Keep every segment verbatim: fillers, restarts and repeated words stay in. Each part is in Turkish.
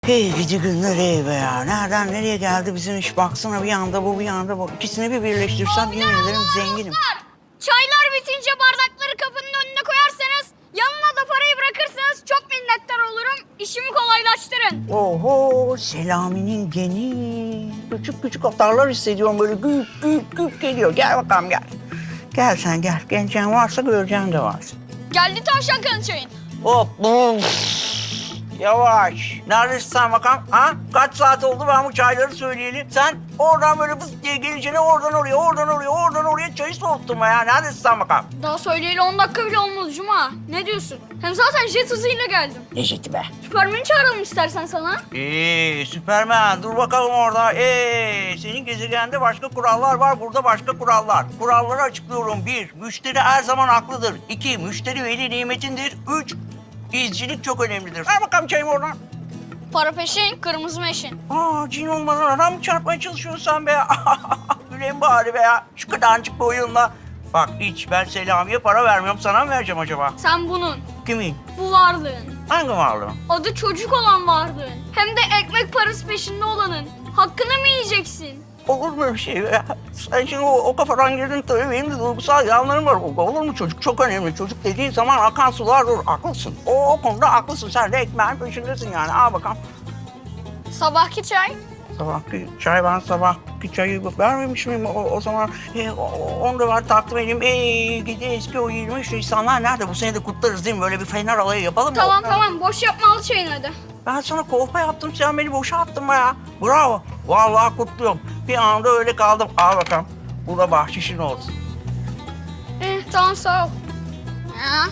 Hey gidi günler ey be ya. Nereden nereye geldi bizim iş? Baksana bir anda bu bir anda bu. İkisini bir birleştirsem yemin ederim zenginim. Çaylar bitince bardakları kapının önüne koyarsanız, yanına da parayı bırakırsanız çok minnettar olurum. İşimi kolaylaştırın. Oho Selami'nin geni. Küçük küçük atarlar hissediyorum böyle güp güp güp geliyor. Gel bakalım gel. Gel sen gel. Geleceğin varsa göreceğin de varsa. Geldi tavşan kanı çayın. Hop. Yavaş. Neredesin sen bakalım? Ha? Kaç saat oldu ben bu çayları söyleyeli? Sen oradan böyle fıs diye geleceğine oradan oraya, oradan oraya, oradan oraya çayı soğuttun mu ya? Neredesin sen bakalım? Daha söyleyeli on dakika bile olmadı Cuma. Ne diyorsun? Hem zaten jet hızıyla geldim. Ne jeti be? Süpermen'i çağıralım istersen sana. Ee, Süpermen dur bakalım orada. Ee, senin gezegende başka kurallar var, burada başka kurallar. Kuralları açıklıyorum. Bir, müşteri her zaman haklıdır. İki, müşteri veli nimetindir. Üç, izcilik çok önemlidir. Ver bakalım çayımı oradan. Para peşin, kırmızı meşin. Aa, cin olmadan adam mı çarpmaya çalışıyorsun sen be? Gülen bari be ya. Şu kadarcık boyunla. Bak hiç ben Selami'ye para vermiyorum. Sana mı vereceğim acaba? Sen bunun, Kimin? bu varlığın. Hangi varlığın? Adı çocuk olan varlığın. Hem de ekmek parası peşinde olanın. Hakkını mı yiyeceksin? Olur mu öyle şey be? Sen şimdi o, o kafadan girdin tabii benim de duygusal yanlarım var. Olur mu çocuk? Çok önemli. Çocuk dediğin zaman akan sular dur. Haklısın. O, o konuda haklısın. Sen de ekmeğin peşindesin yani. Al bakalım. Sabahki çay. Sabahki çay ben sabahki çayı vermemiş miyim? O, o zaman e, o, onu da var takdim edeyim. Ee, gidi eski o yirmi üç Nisanlar nerede? Bu sene de kutlarız değil mi? Böyle bir fener alayı yapalım mı? Tamam tamam, boş yapma, al çayını hadi. Ben sana kolpa yaptım, sen beni boşa attın be ya. Bravo. Vallahi kutluyorum. Bir anda öyle kaldım. Al bakalım. Bu da bahşişin olsun. Eh, tamam sağ ol. Ya.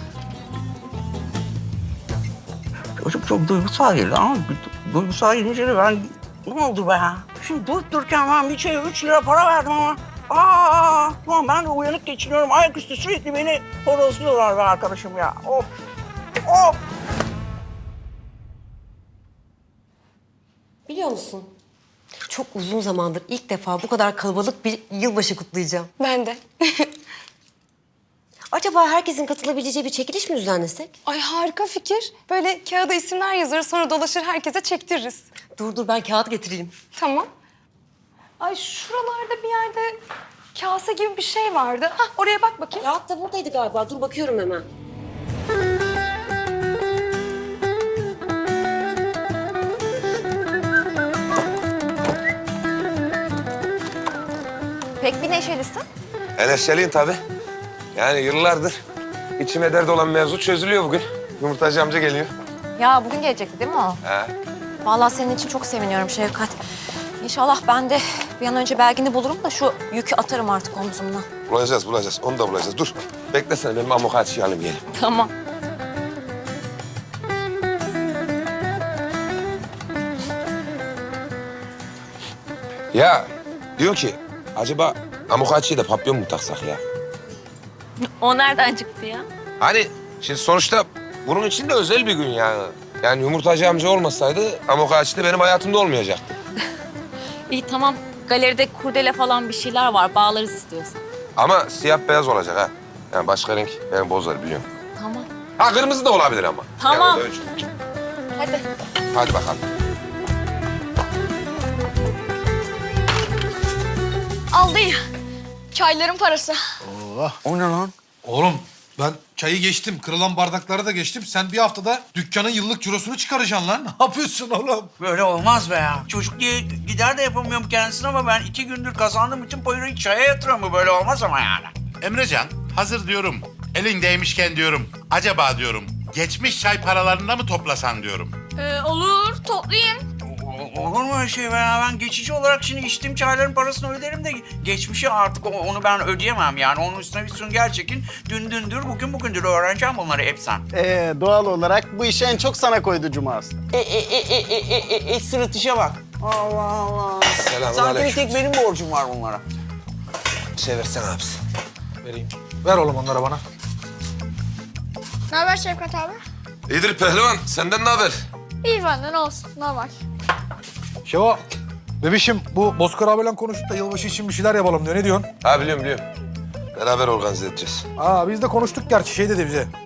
Çocuk çok duygusal geldi ama du- duygusal gelince de ben ne oldu be ya? Şimdi durup dururken ben bir şeye üç lira para verdim ama. Aa, ulan ben de uyanık geçiniyorum. Ayaküstü sürekli beni horozluyorlar be arkadaşım ya. Of. Of. Biliyor musun? Çok uzun zamandır ilk defa bu kadar kalabalık bir yılbaşı kutlayacağım. Ben de. Acaba herkesin katılabileceği bir çekiliş mi düzenlesek? Ay harika fikir. Böyle kağıda isimler yazarız, sonra dolaşır herkese çektiririz. Dur dur ben kağıt getireyim. Tamam. Ay şuralarda bir yerde kase gibi bir şey vardı. Hah, oraya bak bakayım. Kağıt da buradaydı galiba. Dur bakıyorum hemen. Pek bir neşelisin. Neşeliyim tabii. Yani yıllardır içime dert olan mevzu çözülüyor bugün. Yumurtacı amca geliyor. Ya bugün gelecekti değil mi o? He. Vallahi senin için çok seviniyorum Şevkat. İnşallah ben de bir an önce belgini bulurum da şu yükü atarım artık omzumdan. Bulacağız, bulacağız. Onu da bulacağız. Dur. Beklesene benim amokaçıyı alayım gelin. Tamam. Ya diyor ki acaba amokaçıyı da papyon mu taksak ya? O nereden çıktı ya? Hani şimdi sonuçta bunun için de özel bir gün yani. Yani yumurtacı amca olmasaydı amokaçı da benim hayatımda olmayacaktı. İyi tamam. Galeride kurdele falan bir şeyler var. Bağlarız istiyorsan. Ama siyah beyaz olacak ha. Yani başka renk beni bozar biliyorum. Tamam. Ha kırmızı da olabilir ama. Tamam. Yani o da ölçü. Hadi. Hadi bakalım. Aldı ya. Çayların parası. O ne lan? Oğlum ben çayı geçtim, kırılan bardakları da geçtim. Sen bir haftada dükkanın yıllık cirosunu çıkaracaksın lan. Ne yapıyorsun oğlum? Böyle olmaz be ya. Çocuk diye gider de yapamıyorum kendisine ama ben iki gündür kazandığım bütün parayı çaya yatırıyorum. Bu böyle olmaz ama yani. Emrecan, hazır diyorum. Elin değmişken diyorum. Acaba diyorum, geçmiş çay paralarında mı toplasan diyorum. Ee, olur, toplayayım. O- Olur mu öyle şey be ya? Ben geçici olarak şimdi içtiğim çayların parasını öderim de geçmişi artık o- onu ben ödeyemem yani. Onun üstüne bir sünger çekin. Dün dündür, bugün bugündür öğreneceğim bunları hep sen. Ee, doğal olarak bu işi en çok sana koydu Cuma aslında. E, e, e, e, e, e, e, e, sırıtışa bak. Allah Allah. Selamun Sanki bir aleyküm. tek benim borcum var bunlara. Çevirsene abisi. Vereyim. Ver oğlum onları bana. Ne haber Şevkat abi? İyidir pehlivan. Senden ne haber? İyi benden olsun, normal. Şeva, bebişim bu Bozkır abiyle konuştuk da yılbaşı için bir şeyler yapalım diyor. Ne diyorsun? Ha biliyorum biliyorum. Beraber organize edeceğiz. Aa biz de konuştuk gerçi şey dedi bize.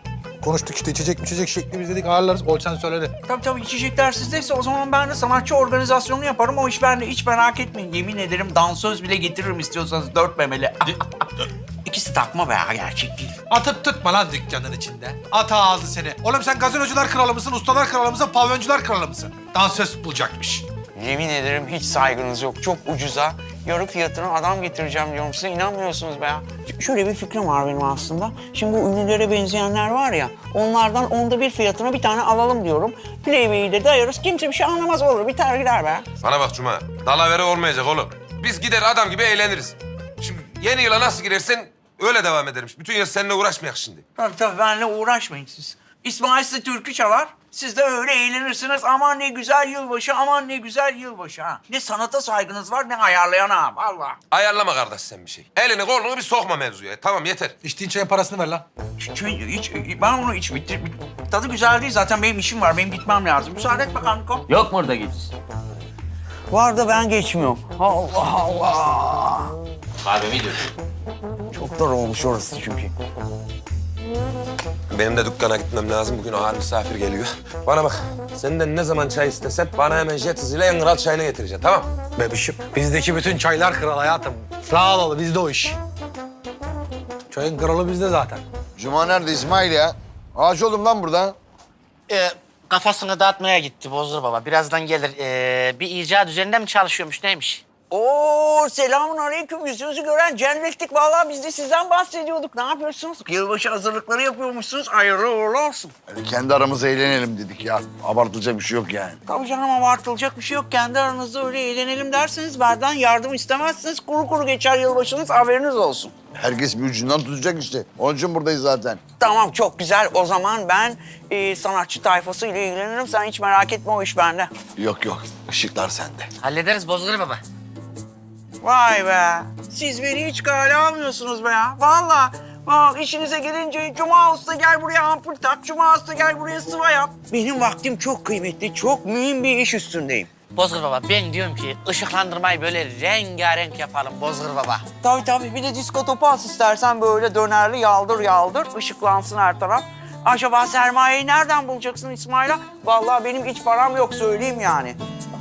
konuştuk işte içecek içecek şekli biz dedik ayarlarız. Ol sen söyledi. Tabii tabii içecekler sizdeyse o zaman ben de sanatçı organizasyonu yaparım. O iş bende, hiç merak etmeyin. Yemin ederim dansöz bile getiririm istiyorsanız dört memeli. İkisi takma be ya, gerçek değil. Atıp tutma lan dükkanın içinde. At ağzı seni. Oğlum sen gazinocular kralı mısın, ustalar kralı mısın, pavyoncular kralı mısın? Dansöz bulacakmış. Yemin ederim hiç saygınız yok. Çok ucuza yarı fiyatına adam getireceğim diyorum size. İnanmıyorsunuz be ya. Şöyle bir fikrim var benim aslında. Şimdi bu ünlülere benzeyenler var ya, onlardan onda bir fiyatına bir tane alalım diyorum. Playboy'u de dayarız. Kimse bir şey anlamaz, olur. Biter gider be. Bana bak Cuma, dalavere olmayacak oğlum. Biz gider adam gibi eğleniriz. Şimdi yeni yıla nasıl girersen öyle devam ederim. Bütün yıl seninle uğraşmayak şimdi. Tabii tabii, benimle uğraşmayın siz. İsmail size türkü çalar. Siz de öyle eğlenirsiniz. Aman ne güzel yılbaşı, aman ne güzel yılbaşı ha. Ne sanata saygınız var, ne ayarlayana vallahi. Ayarlama kardeş sen bir şey. Elini kolunu bir sokma mevzuya. Tamam yeter. İçtiğin çayın parasını ver lan. Hiç, hiç, ben onu hiç bitir. Tadı güzel değil zaten, benim işim var. Benim gitmem lazım. Müsaade et bakalım Niko. Yok mu orada git? Var da ben geçmiyorum. Allah Allah. Kahvemi dök. Çok dar olmuş orası çünkü. Benim de dükkana gitmem lazım. Bugün ağır misafir geliyor. Bana bak, senden ne zaman çay istesen bana hemen jet hızıyla en kral çayını getireceksin, tamam? Bebişim, bizdeki bütün çaylar kral hayatım. Rahat ol, bizde o iş. Çayın kralı bizde zaten. Cuma nerede İsmail ya? Ağaç oldum lan burada. Ee, kafasını dağıtmaya gitti Bozdur Baba. Birazdan gelir. Ee, bir icat üzerinde mi çalışıyormuş, neymiş? Oo, selamun aleyküm. Yüzünüzü gören cennetlik. Vallahi biz de sizden bahsediyorduk. Ne yapıyorsunuz? Yılbaşı hazırlıkları yapıyormuşsunuz. Hayırlı uğurlu olsun. Öyle kendi aramızda eğlenelim dedik ya. Abartılacak bir şey yok yani. Tabii canım, abartılacak bir şey yok. Kendi aranızda öyle eğlenelim derseniz benden yardım istemezsiniz. Kuru kuru geçer yılbaşınız, haberiniz olsun. Herkes bir ucundan tutacak işte. Onun için buradayız zaten. Tamam, çok güzel. O zaman ben e, sanatçı tayfası ile ilgilenirim. Sen hiç merak etme, o iş bende. Yok yok, ışıklar sende. Hallederiz Bozdur Baba. Vay be. Siz beni hiç kale almıyorsunuz be ya. Vallahi. Bak işinize gelince Cuma Usta gel buraya ampul tak, Cuma Usta gel buraya sıva yap. Benim vaktim çok kıymetli, çok mühim bir iş üstündeyim. Bozdur Baba, ben diyorum ki ışıklandırmayı böyle rengarenk yapalım Bozdur Baba. Tabii tabii, bir de disko topu as istersen, böyle dönerli yaldır yaldır, ışıklansın her taraf. Acaba sermayeyi nereden bulacaksın İsmail'a? Vallahi benim hiç param yok, söyleyeyim yani.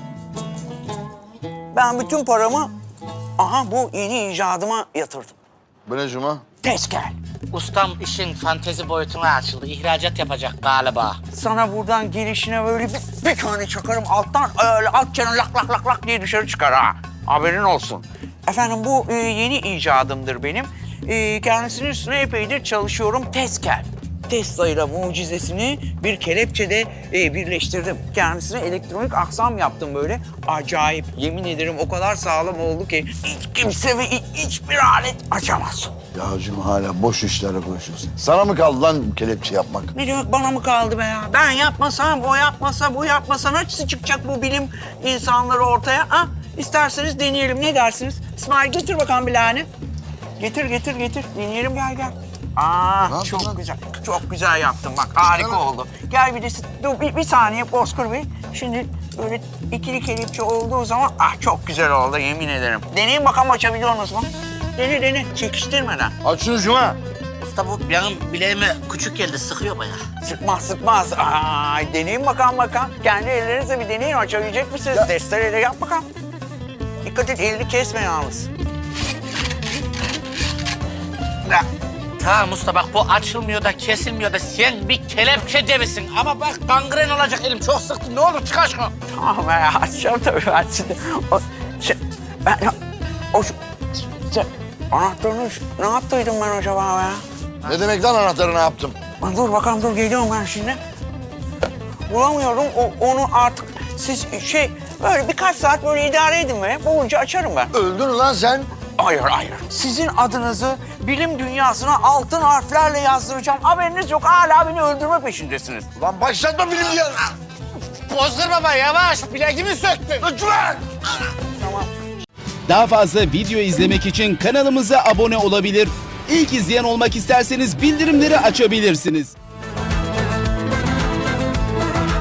Ben bütün paramı, aha bu yeni icadıma yatırdım. Bu ne Cuma? Tezkel. Ustam işin fantezi boyutuna açıldı. İhracat yapacak galiba. Sana buradan gelişine böyle bir, bir tane çakarım alttan, öyle alt çenen lak lak lak lak diye dışarı çıkar ha. Haberin olsun. Efendim bu e, yeni icadımdır benim. E, kendisinin üstüne epeydir çalışıyorum. Tezkel. Tesla ile mucizesini bir kelepçede e, birleştirdim. Kendisine elektronik aksam yaptım böyle. Acayip. Yemin ederim o kadar sağlam oldu ki hiç kimse ve hiç- hiçbir alet açamaz. Ya Cuma hala boş işlerle konuşuyorsun. Sana mı kaldı lan bu kelepçe yapmak? Ne demek bana mı kaldı be ya? Ben yapmasam, o yapmasa, bu yapmasa nasıl çıkacak bu bilim insanları ortaya? Ha? İsterseniz deneyelim. Ne dersiniz? İsmail getir bakalım bilahını. Getir, getir, getir. Deneyelim, gel gel. Aa, Ne yaptın çok lan? güzel. Çok güzel yaptın bak. Harika Çıkar. oldu. Gel bir de dur bir, bir saniye Bozkır Bey. Şimdi böyle ikili kelepçe olduğu zaman ah çok güzel oldu yemin ederim. Deneyin bakalım, açabiliyor musunuz? Dene dene çekiştirmeden. Aç şunu Cuma. Usta bu benim bileğime küçük geldi, sıkıyor bayağı. Sıkmaz sıkmaz. Ay deneyin bakalım bakalım. Kendi ellerinizle bir deneyin, açabilecek misiniz? Ya. Testereyle yap bakalım. Dikkat et, elini kesme yalnız. Ya. Tamam usta bak bu açılmıyor da kesilmiyor da sen bir kelepçe cebisin. Ama bak gangren olacak elim, çok sıktı. Ne olur çıkar şunu. Tamam ya, açacağım tabii ben şimdi. O, şey, ben, o, şu, şey, anahtarını şu- ne yaptıydım ben acaba ya? Ne demek lan anahtarı ne yaptım? Lan dur bakalım, dur geliyorum ben şimdi. Bulamıyorum, o, onu artık siz şey, böyle birkaç saat böyle idare edin be. Bulunca açarım ben. Öldün lan sen. Hayır, hayır. Sizin adınızı bilim dünyasına altın harflerle yazdıracağım. Haberiniz yok, hala beni öldürme peşindesiniz. Lan başlatma bilim ya. Bozdur Baba yavaş, bileğimi söktün. Lütfen. Tamam. Daha fazla video izlemek için kanalımıza abone olabilir. İlk izleyen olmak isterseniz bildirimleri açabilirsiniz.